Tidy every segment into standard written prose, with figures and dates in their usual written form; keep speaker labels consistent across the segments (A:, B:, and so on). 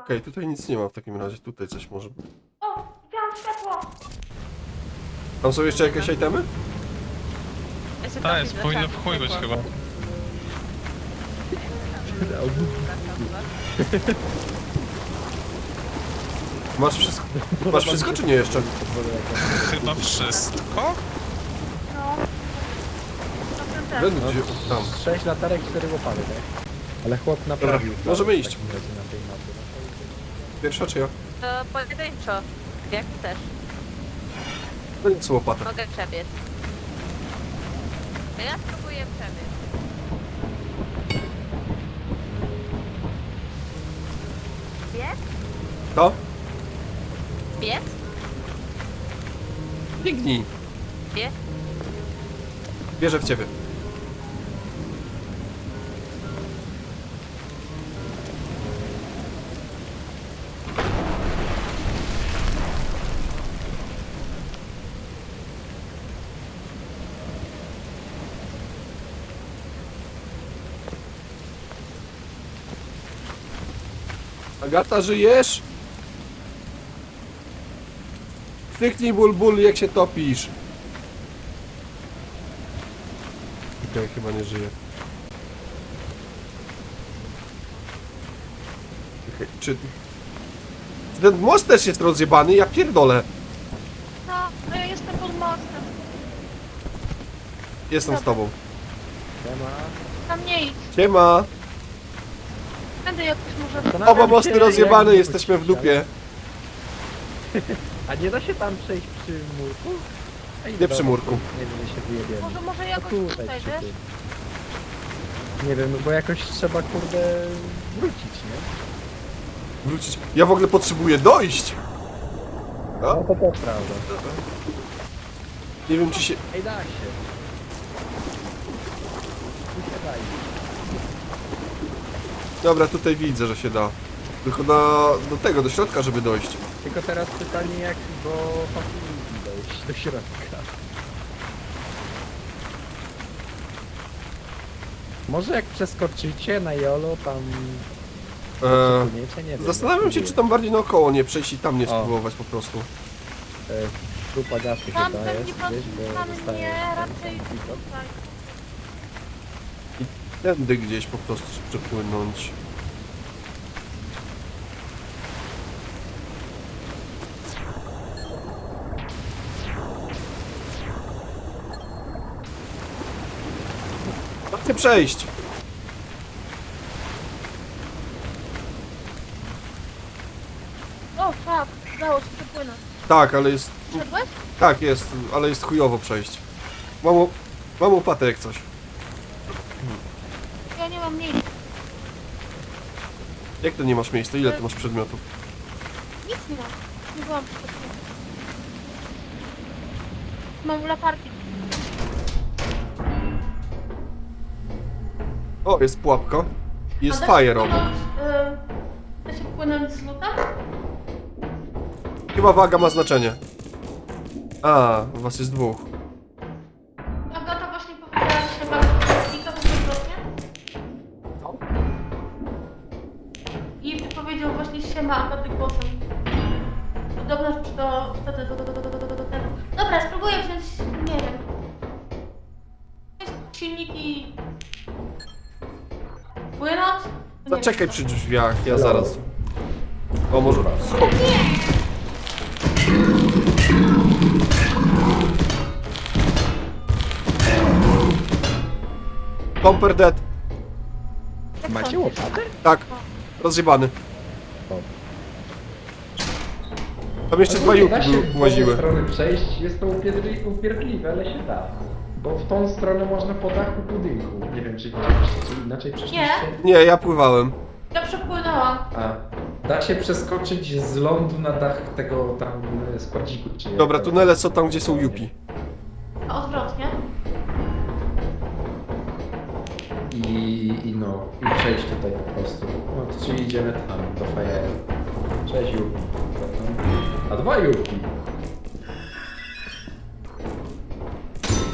A: Okej, tutaj nic nie ma w takim razie. Tutaj coś może.
B: O, widziałam światło!
A: Tam są jeszcze jakieś itemy?
C: Tak, jest, powinno w chuj być chyba.
A: Masz wszystko? Masz wszystko czy nie jeszcze?
C: Chyba wszystko?
B: No.
A: Będę gdzie... Tam.
D: 6 latarek, 4 łopaty, tak? Ale chłop naprawił.
A: Dobra, możemy
D: w
A: iść.
D: takim razie na tej mapie.
A: Pierwsza czy ja?
E: To pojedynczo. Jak chcesz.
A: No nic, łopata.
E: Mogę przebiec. No ja spróbuję przebiec. Biec?
A: To?
E: Biec?
A: Biegnij.
E: Biec?
A: Wierzę w ciebie. Agata, żyjesz? Krzyknij ból, ból, jak się topisz. Okej, chyba nie żyje. Okej, czy... Ten most też jest rozjebany, ja pierdolę.
B: No ja jestem pod mostem.
A: Jestem z tobą.
D: Siema.
B: Tam nie idź.
A: Siema.
B: Będę jakoś może...
D: Zastanawiam
A: Oba mosty
D: się,
A: rozjebane,
D: jak
A: jesteśmy w dupie.
D: A nie da się tam przejść przy murku? Ej,
A: Nie
D: dobra,
A: przy murku.
D: Nie wiem, się wyjebiemy.
B: Może jakoś
D: No
B: tutaj,
D: przy
B: wiesz?
D: tym. Nie wiem, no bo jakoś trzeba, kurde, wrócić, nie?
A: Wrócić. Ja w ogóle potrzebuję dojść.
D: No
A: A?
D: to prawda.
A: Nie wiem czy się...
D: Ej, da się. Wysiadaj.
A: Dobra, tutaj widzę, że się da. Tylko do tego, do środka, żeby dojść.
D: Tylko teraz pytanie jak do facility dojść do środka. Może jak przeskoczycie na jolo tam... Przepłyniecie? Nie wiem.
A: Zastanawiam się, czy tam bardziej naokoło nie przejść i tam nie
D: O.
A: spróbować po prostu.
D: Trupa gasy
B: Tam
D: chyba
B: pewnie
D: jest gdzieś, bo
B: tam
D: zostaje...
B: nie, raczej tutaj.
A: Tędy gdzieś po prostu przepłynąć. Chcę przejść.
B: O, fuck, udało się przepłynąć.
A: Tak, ale jest...
B: Wszedłeś?
A: Tak, jest, ale jest chujowo przejść. Mam łopatę jak coś.
B: Ja nie mam miejsca.
A: Jak to nie masz miejsca? Ile ty masz przedmiotów?
B: Nic nie mam. Nie byłam przygotowana. Mam latarki.
A: O, jest pułapka. Jest
B: A da się
A: fire obok.
B: płynąć, Da się płynąć z lutem?
A: Chyba waga ma znaczenie. A, was jest dwóch.
B: Agata właśnie powiedziała, że się bardzo klika, bo odwrotnie. I powiedział właśnie siema Agaty głosem. Podobno do tego. Dobra, spróbuję wziąć, nie wiem. Silniki... Płynąć? Nie
A: Zaczekaj
B: wiem.
A: przy drzwiach, ja zaraz. O, może... Schod. Comper dead.
B: Jak
D: Macie
B: sądzisz?
D: łopatę?
A: Tak. Rozjebany.
D: O.
A: Tam jeszcze dwa juki łaziły.
D: Z strony przejść jest to upierdliwe, ale się da. Bo w tą stronę można po dachu budynku. Nie wiem, czy widzieliście, czy inaczej przeszliście?
B: Nie.
A: Nie, ja pływałem.
B: Ja przepłynęłam.
D: A, da się przeskoczyć z lądu na dach tego tam składziku, czy jak
A: Dobra,
D: to-
A: tunele są tam, gdzie są jupi.
B: A odwrotnie.
D: I przejść tutaj po prostu. No to czyli idziemy tam, do fajeru. Cześć Jupi. A dwa Jupi.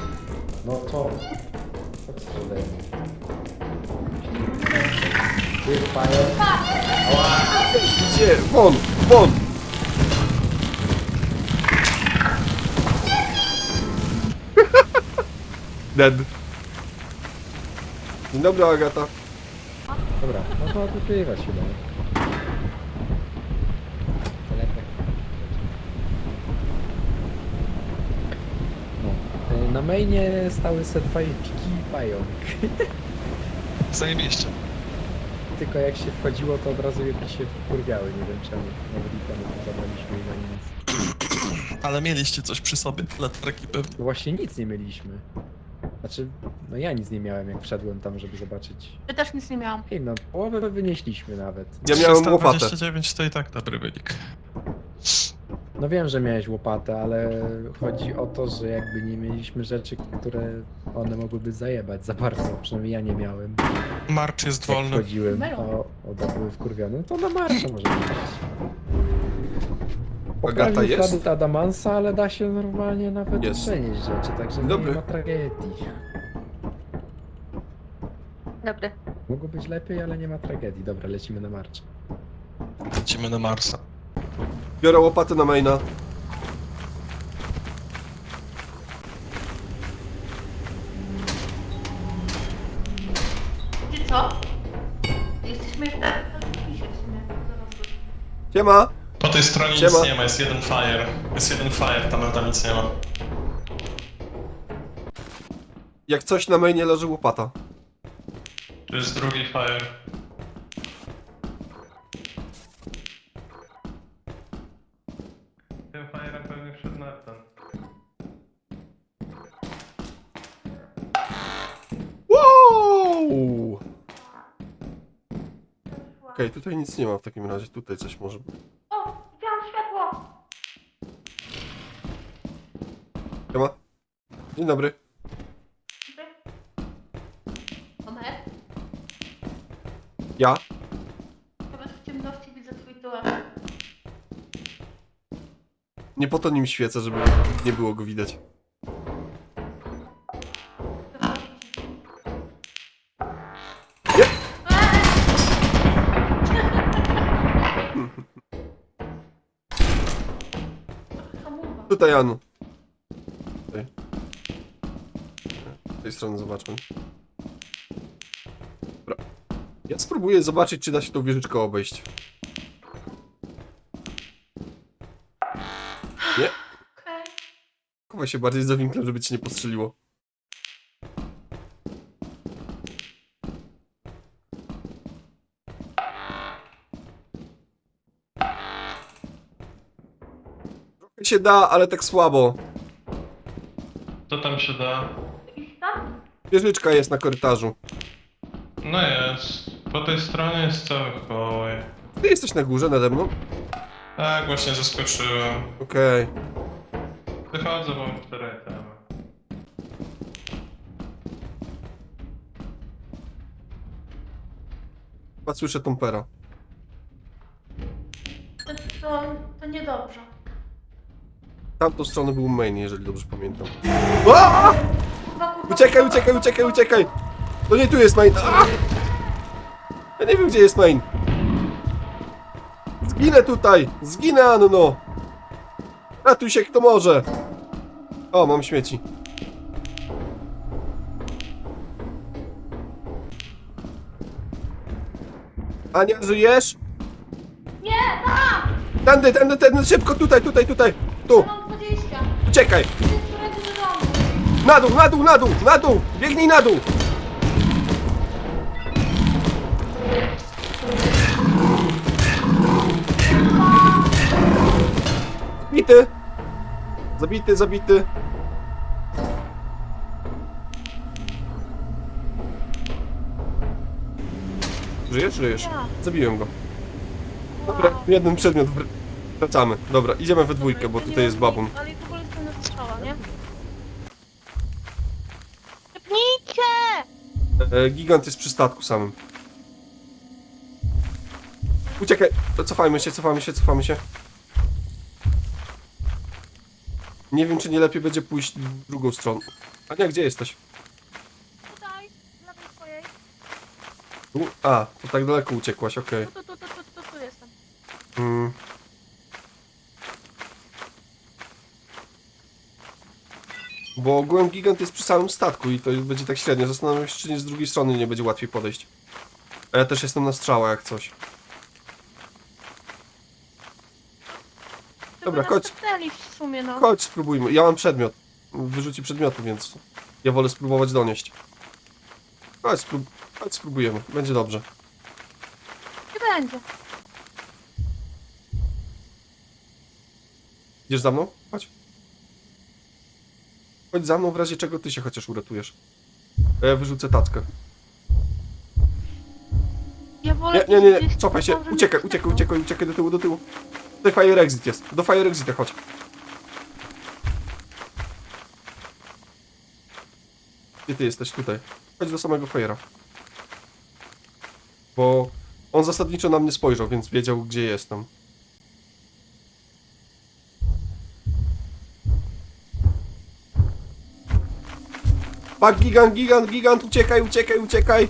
D: No to... Co przede mną? Ty pają.
A: Gdzie? Won! Won! Dead. Dzień dobry, Agata.
D: Dobra, no to odpływać chyba. No. Na mainie stały se dwa piki i pająk.
C: Zajebiście.
D: Tylko jak się wchodziło, to od razu jakieś się wkurwiały, nie wiem czemu. Nawet i temu zabraliśmy i na nic.
C: Ale mieliście coś przy sobie, latarki pewnie.
D: No właśnie nic nie mieliśmy. Znaczy, no ja nic nie miałem jak wszedłem tam, żeby zobaczyć.
B: Ja też nic nie miałam.
D: Ej, no połowę wynieśliśmy nawet.
A: Ja miałem łopatę.
C: 329 to i tak dobry wynik.
D: No wiem, że miałeś łopatę, ale chodzi o to, że jakby nie mieliśmy rzeczy, które one mogłyby zajebać za bardzo. Przynajmniej ja nie miałem.
C: Marcz jest
D: Jak
C: wolny.
D: wchodziłem,
B: Melon.
D: to były wkurwione. No to na marsza może być.
A: Agata
D: Poprawił
A: jest?
D: ślady Adamansa, ale da się normalnie nawet
A: Jest.
D: przenieść rzeczy, także
A: Dobry.
D: nie ma tragedii.
E: Dobry.
D: Mogło być lepiej, ale nie ma tragedii. Dobra, lecimy na marsz.
C: Lecimy na Marsa.
A: Biorę łopatę na maina.
B: Wiecie co? Jesteśmy jeszcze na pisie w sumie. Dorosłych.
A: Siema!
C: Po tej stronie
A: Siema.
C: nic nie ma, jest jeden fire. Jest jeden fire, tam nic nie ma.
A: Jak coś na mainie leży łopata.
C: Tu jest drugi fire. Tym firem pewnie wszedł na ten.
A: Wow! Okej, tutaj nic nie ma w takim razie. Tutaj coś może być.
B: O! Widziałam światło!
A: Siema. Dzień dobry.
B: Omer?
A: Ja?
B: Nawet w ciemności widzę twój tyłek.
A: Nie po to nim świecę, żeby nie było go widać. Nie.
B: Hamuwa.
A: Tutaj, Anu. Tutaj. Z tej strony zobaczmy. Dobra. Ja spróbuję zobaczyć, czy da się tą wieżyczkę obejść. Nie?
B: Okej.
A: Chowaj się bardziej za winklem, żeby cię nie postrzeliło. Trochę się da, ale tak słabo.
C: Co tam się da?
B: Jakiś tam?
A: Wieżyczka jest na korytarzu.
C: No jest. Po tej stronie jest cały kołaj.
A: Ty jesteś na górze nade mną?
C: Tak, właśnie zaskoczyłem.
A: Okej.
C: Wychodzę, bo mam 4 itemy.
A: Chyba słyszę Tompera.
B: To niedobrze.
A: Tamtą stronę był main, jeżeli dobrze pamiętam. O! Uciekaj, uciekaj, uciekaj, uciekaj! To nie tu jest main. A! Ja nie wiem, gdzie jest main. Zginę tutaj! Zginę, Anno! Ratuj się, kto może! O, mam śmieci. Ania, żyjesz?
B: Nie, tam!
A: Tędy, tędy, tędy, szybko, tutaj, tutaj, tutaj! Tu!
B: Mam 20.
A: Uciekaj!
B: Idę z którego do domu.
A: Na dół, na dół, na dół, na dół! Biegnij na dół! Zabity! Zabity, zabity! Żyjesz? Żyjesz. Zabiłem go. Dobra, jeden przedmiot. Wracamy. Dobra, idziemy we dwójkę, bo tutaj jest babun.
E: Ale w ogóle jestem na strzała, nie? Szybnijcie!
A: Gigant jest przy statku samym. Uciekaj! Cofajmy się, cofamy się, cofamy się. Nie wiem, czy nie lepiej będzie pójść w drugą stronę. Ania, gdzie jesteś?
E: Tutaj, z lewej swojej.
A: A, to tak daleko uciekłaś, okej.
E: Tu jestem.
A: Mm. Bo ogółem gigant jest przy samym statku i to będzie tak średnio. Zastanawiam się, czy nie z drugiej strony nie będzie łatwiej podejść. A ja też jestem na strzała jak coś. Dobra,
E: Żeby nas
A: chodź.
E: tepnęli w sumie, no.
A: Chodź, spróbujmy. Ja mam przedmiot. Wyrzuci przedmioty, więc ja wolę spróbować donieść. Chodź, chodź spróbujemy. Będzie dobrze.
E: Nie będzie.
A: Idziesz za mną? Chodź. Chodź za mną, w razie czego ty się chociaż uratujesz. A ja wyrzucę tackę.
E: Ja wolę
A: Nie,
E: gdzieś
A: cofaj się.
E: tam, żeby
A: Uciekaj,
E: mnie
A: uciekaj,
E: tepnął.
A: uciekaj do tyłu. Tutaj fire exit jest. Do fire exita chodź. Gdzie ty jesteś? Tutaj. Chodź do samego fire'a. Bo on zasadniczo na mnie spojrzał, więc wiedział, gdzie jestem. Pak, gigant, uciekaj!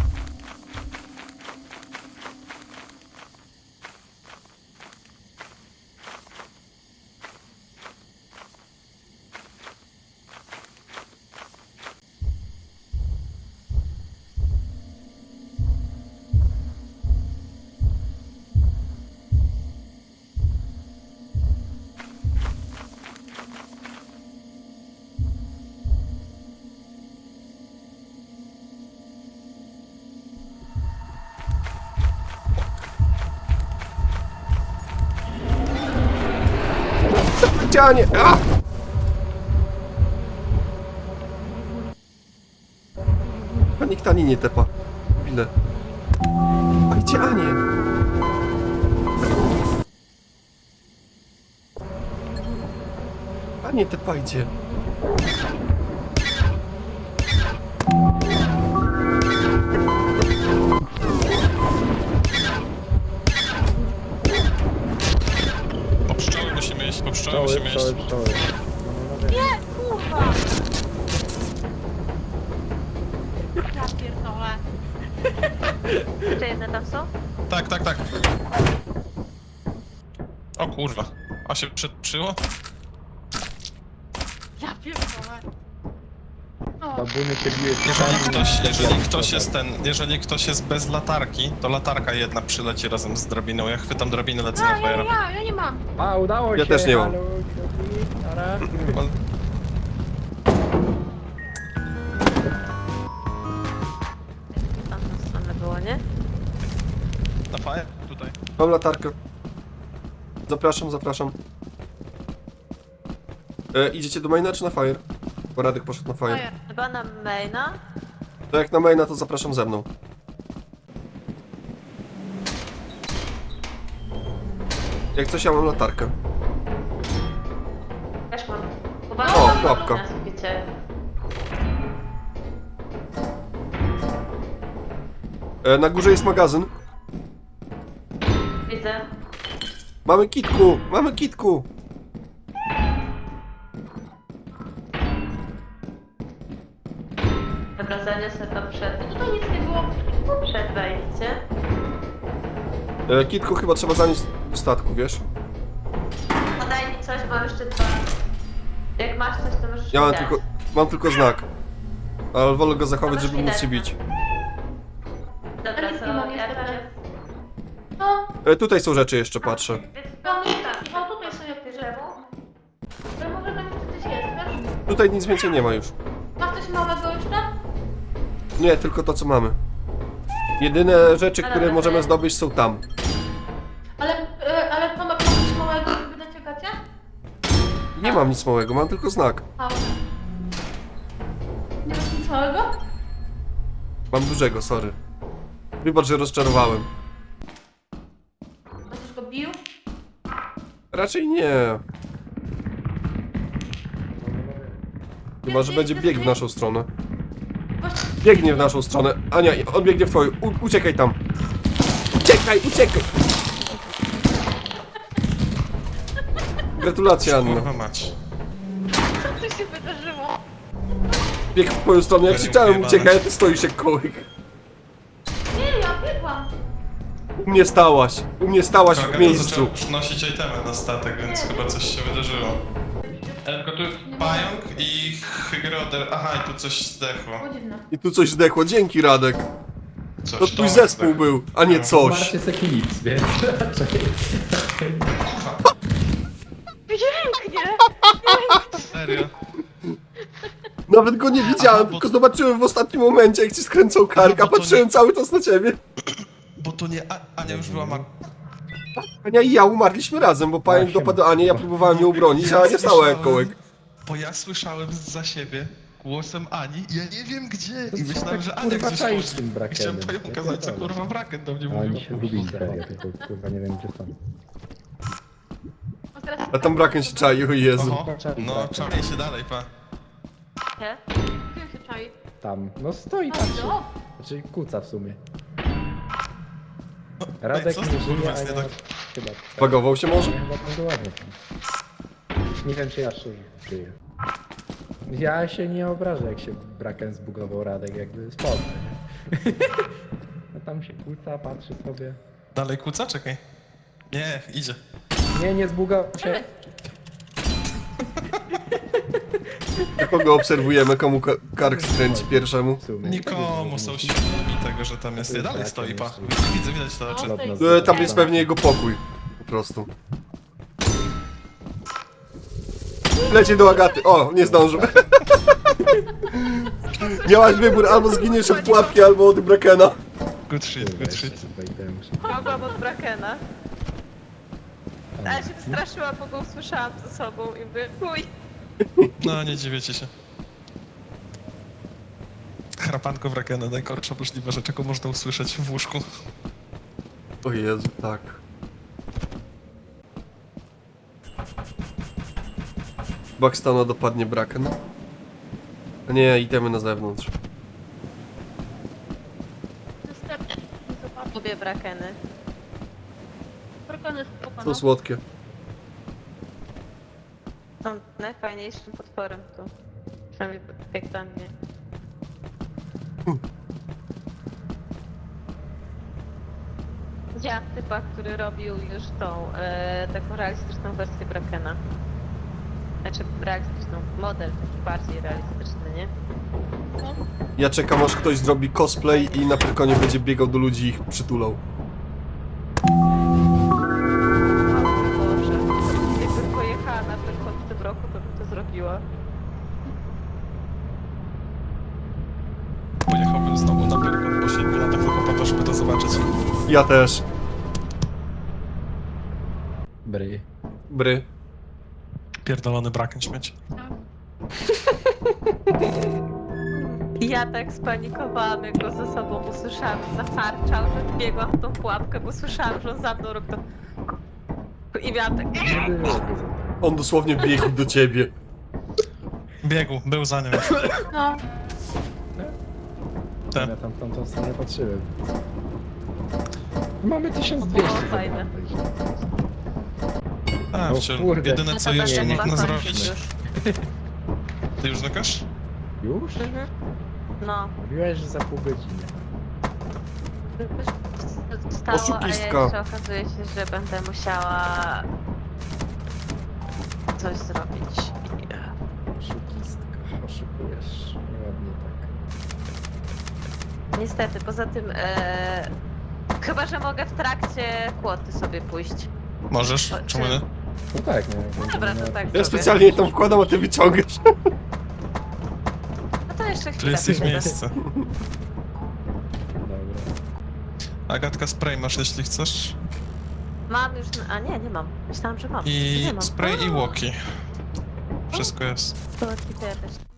A: Cianie! A! Nikt ani nie tepa. Ile? Pajcie Anię! Anię tepajcie!
C: Po pszczoły musimy iść, po pszczoły musimy iść.
D: Pszczoły.
E: Nie, kurwa! Ja pierdolę. Jeszcze jedne tam są?
C: Tak. O kurwa. A się przetrzyło?
E: Ja pierdolę. O,
D: Babuny cię bije
C: Jeżeli ktoś jest bez latarki, to latarka jedna przyleci razem z drabiną. Ja chwytam drabinę, lecę na
E: ja
C: fire.
E: nie mam.
D: A, udało
A: Ja
D: się!
A: też nie mam.
D: Halo, kropki, nara.
E: Tam na stronę było, nie?
C: Na fire? Tutaj.
A: Mam latarkę. Zapraszam. Idziecie do maina czy na fire? Bo Radek poszedł na fire.
E: Chyba na maina.
A: To jak na maina, to zapraszam ze mną. Jak coś, ja mam latarkę.
E: Też mam.
A: O,
E: Uważaj,
A: łapka.
E: na suficie.
A: Na górze jest magazyn.
E: Widzę.
A: Mamy kitku!
E: Dobra, zaniosę to przed... Tutaj nic nie było. Przed wejściem.
A: Kitku chyba trzeba zanieść do statku, wiesz?
E: Podaj mi coś, mam jeszcze dwa. Jak masz coś, to możesz
A: Ja
E: mi dać.
A: mam tylko znak. Ale wolę go zachować,
E: Możesz
A: żeby
E: mi
A: móc
E: dać.
A: się bić.
E: Dobra,
B: Ale
E: to
B: nie mam
E: ja
B: niestety.
E: teraz...
B: No,
A: Tutaj są rzeczy jeszcze, patrzę.
B: tam jest taki. O, tutaj są jakieś drzewo. Ale może tam jeszcze coś jest, wiesz?
A: Tutaj nic więcej nie ma już.
B: Masz coś małego jeszcze?
A: Nie, tylko to co mamy. Jedyne rzeczy, które
E: dobra,
A: możemy
E: to ja-
A: zdobyć są tam.
B: Ale to ma coś małego, żeby dać Agacie?
A: Nie mam nic małego, mam tylko znak.
B: A, nie masz nic małego?
A: Mam dużego, sorry. Wybacz, że rozczarowałem.
B: Będziesz go bił?
A: Raczej nie. Chyba, że będzie biegł w naszą stronę. Biegnie w naszą stronę. Ania, on biegnie w twoją. Uciekaj tam. Uciekaj! Gratulacje, Anna.
C: Kurwa mać.
E: Co tu się wydarzyło?
A: Biegł w twoją stronę. Ja krzyczałem, uciekaj, a ty stoisz jak kołyk.
B: Nie,
A: U mnie stałaś w
C: Kolega
A: miejscu.
C: zaczął przynosić itemy na statek, więc chyba coś się wydarzyło. Tylko tu jest pająk i hygroder. Aha, i tu coś zdechło.
B: Było dziwne.
A: I tu coś zdechło, dzięki Radek.
C: Coś
A: To twój
C: Tomek
A: zespół
C: zdechł.
A: był, a nie coś.
D: Marcie jest eklips, więc raczej...
E: Pięknie!
C: Serio?
A: Nawet go nie widziałem,
C: Aha, bo-
A: tylko zobaczyłem w ostatnim momencie, jak ci skręcał kark,
C: Aha,
A: a
C: bo to
A: patrzyłem
C: nie-
A: cały czas na ciebie.
C: Bo to nie Ania już była
A: Ania i ja umarliśmy razem, bo pająk
D: siema.
A: dopadł Anię, ja próbowałem ją bronić, a Ania stała jak kołek.
C: Bo ja słyszałem za siebie głosem Ani i ja nie wiem gdzie. I
D: To
C: myślałem,
D: tak,
C: że Ania
D: kurwa,
C: gdzieś
D: czaisz
C: poszła.
D: tym brakenem.
C: Chciałem pająka
D: Ja
C: kazać, co
D: pierdolę.
C: kurwa braken do mnie
D: A
C: mówił.
D: oni się zgubili serio, tylko kurwa nie wiem gdzie są.
B: No teraz
A: A tam braken się czai, o Jezu.
C: Oho, no czarnie się dalej, pa.
E: Nie?
B: Gdzie się czai?
D: Tam, no stoi,
B: A,
D: patrzy.
B: o!
D: Znaczy kuca w sumie.
C: Ej,
D: Radek
C: co
D: nie
C: z tym
D: żyje,
C: kurwa
D: a
C: jest nie
D: ja
C: tak?
D: chyba...
A: Bagował się może?
D: Ja chyba będę ładnie tam. Nie wiem czy ja szczerze żyję. Ja się nie obrażę jak się braken zbugował Radek, jakby spoko, nie? No tam się kłóca, patrzy sobie.
C: Dalej kłóca? Czekaj. Nie, idzie.
D: Nie zbugował się.
A: Kogo obserwujemy, komu kark skręci pierwszemu?
D: W sumie.
C: Nikomu są świadomi tego, że tam jest. Dalej stoi, pa. Widzę, widać to oczy.
A: Tam jest pewnie jego pokój. Po prostu. Leci do Agaty. O, nie zdążył. Miałaś wybór, albo zginiesz od pułapki, albo od Brakena.
C: Good shit, good shit.
E: Mogłam od Brakena. Ale się wystraszyłam, bo go usłyszałam ze sobą i mówię, chuj.
C: No, nie dziwiecie się. Chrapanko wrakena, najgorsza możliwa rzecz, jaką można usłyszeć w łóżku.
A: O Jezu, tak. Buckstona dopadnie Braken. A nie, itemy na zewnątrz.
E: Lubię Brakeny.
B: Brakony spoko,
A: Są
B: no.
A: słodkie.
E: Są najfajniejszym potworem tu. Przynajmniej jak dla mnie. Widziałam typa, który robił już tą taką realistyczną wersję Brakena. Znaczy realistyczną, model taki bardziej realistyczny, nie?
A: Ja czekam, aż ktoś zrobi cosplay i na Pyrkonie będzie biegał do ludzi i ich przytulał.
E: Boże, jakbym pojechała na Pyrkon w tym roku, to bym to zrobiła.
C: Pojechałbym znowu na Pyrkon po 7 latach tylko po to, żeby to zobaczyć.
A: Ja też.
D: Bry.
A: Bry.
C: Pierdolony braken śmieć.
E: I ja tak spanikowałam, jak go ze sobą usłyszałam, zafarczał, że biegłam w tą pułapkę, bo słyszałam, że on za mną robi to... I miałam tak...
D: Nie było go za to.
A: On dosłownie biegł do ciebie.
C: Biegł, był za nią.
B: No,
C: Tak.
D: Ja tam w tamtą stronę patrzyłem. Mamy 1200.
E: O, fajne.
C: A,
D: O
C: wciąż.
D: kurde.
C: Jedyne co jeszcze
D: nie,
C: można
D: nie,
C: zrobić.
D: nie.
C: Ty już znikasz?
D: Już?
E: No.
D: Mówiłeś, że za pół godziny.
E: Stało, a ja
A: Oszukistka.
E: jeszcze okazuje się, że będę musiała coś zrobić.
D: Oszukistka, oszukujesz. Ładnie tak.
E: Niestety, poza tym chyba, że mogę w trakcie kłoty sobie pójść.
C: Możesz? Czemu nie?
D: No tak, no.
E: Dobra, to tak
A: Ja
E: zrobię.
A: specjalnie je tam wkładam, a ty wyciągasz.
E: No to jeszcze
C: Tu
E: chwilę.
C: jest ich
E: pójdę.
C: miejsce.
D: Dobra.
C: Agatka, spray masz, jeśli chcesz.
E: Mam już... A nie, nie mam. Myślałam, że mam.
C: I
E: Nie mam.
C: spray i walkie. Wszystko jest.
E: To kipię też.